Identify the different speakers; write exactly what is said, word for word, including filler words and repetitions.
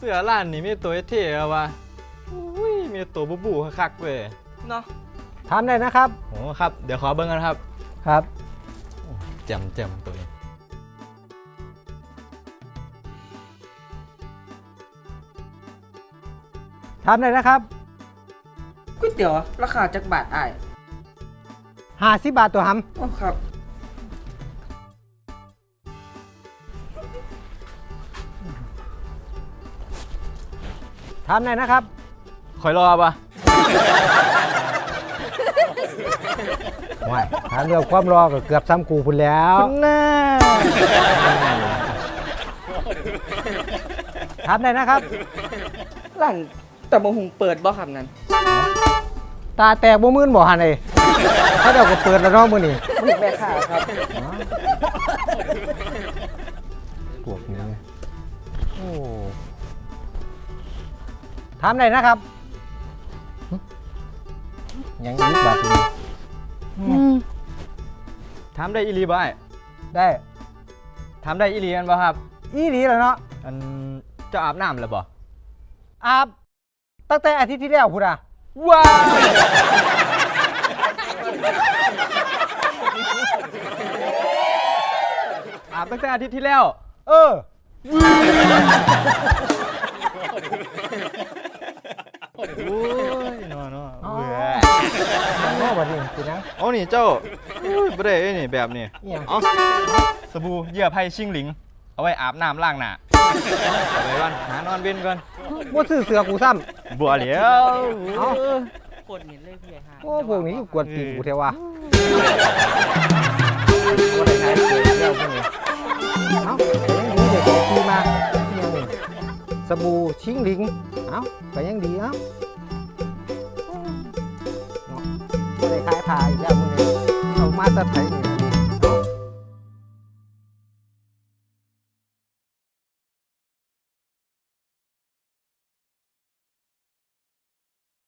Speaker 1: สื้อร้านนี่มีตัวเท่ๆวะอุ้ยมีตัวบูบูคักๆเว้ย
Speaker 2: เนาะ
Speaker 3: ถามได้นะครับ
Speaker 1: โอ้ครับเดี๋ยวขอเบิ่งกันครับ
Speaker 3: ครับ
Speaker 1: แจมแจมตัวนี้
Speaker 3: ถามได้นะครับ
Speaker 2: ก๋วยเตี๋ยวราคาจักบาทอ้าย
Speaker 3: ห้าสิบบาทตัวห
Speaker 2: อ๋อครับ
Speaker 3: ำถามได้นะครับ
Speaker 1: คอยรอปะ
Speaker 3: ไม่ถามเรื่องความรอก็เกือบซ้ำกูพุ่นแล้ว
Speaker 1: หน้า
Speaker 3: ถามได้นะครับ
Speaker 2: ร้านแต่บะหุงเปิดบ่ครับนั้น
Speaker 3: ตาแตกบ่มื่นบ่หันเลยเขาเดี๋ยวก็เปิดแล้วเน้องมื้อนี้
Speaker 2: บ่เห็นแม่ค้าครับ
Speaker 3: พวกนี้โอ้ถามได้นะครับหึยังอีกบาทหนึงอืม
Speaker 1: ถามได้อีหลีบ่ไอ้
Speaker 3: ได้
Speaker 1: ถามได้อีหลีกันบ่ครับ
Speaker 3: อีหลีแล้วเนาะ
Speaker 1: อันเจ้าอาบน้ำแล้วบ่
Speaker 3: อาบตั้งแต่อาทิตย์ที่แล้วพุ่นอ่ะ
Speaker 1: ว้าวอาบตั้งแต่อาทิตย์ที่แล้ว
Speaker 3: เออ
Speaker 1: โอ้ยนอนๆ
Speaker 3: อ๋อ
Speaker 1: เบื่อ
Speaker 3: โอ้บัดนี้สินะ
Speaker 1: เอานี่เจ้าอุ้ยบ่ได้เอ้ยนี่แบบนี้
Speaker 3: อิหยัง
Speaker 1: เอาสบู่เหยื่อไผ่ชิงหลิง เอาไว้อาบน้ำล้างหน้าเอาไว้ก่อนหานอนเว้นก่อน
Speaker 3: บ่ซื้อเสือกูซ้ำ
Speaker 1: บัวเหลียว
Speaker 3: เอ้า
Speaker 2: กดเห็นเลยพี่ใหญ่ห้า
Speaker 3: โอ้พวกนี้ก็กวนตีนกูเทวะบ่ได้ใช้เสือแล้วพวกนี้เอ้ายังดีเด็กของพี่มาอิหยังนี่สบู่ชิงหลิงเอ้าก็ยังดีเอ้าเนาะบ่ได้ขายผ้าอีกแล้วพวกนี้เอามาแตะไผนี่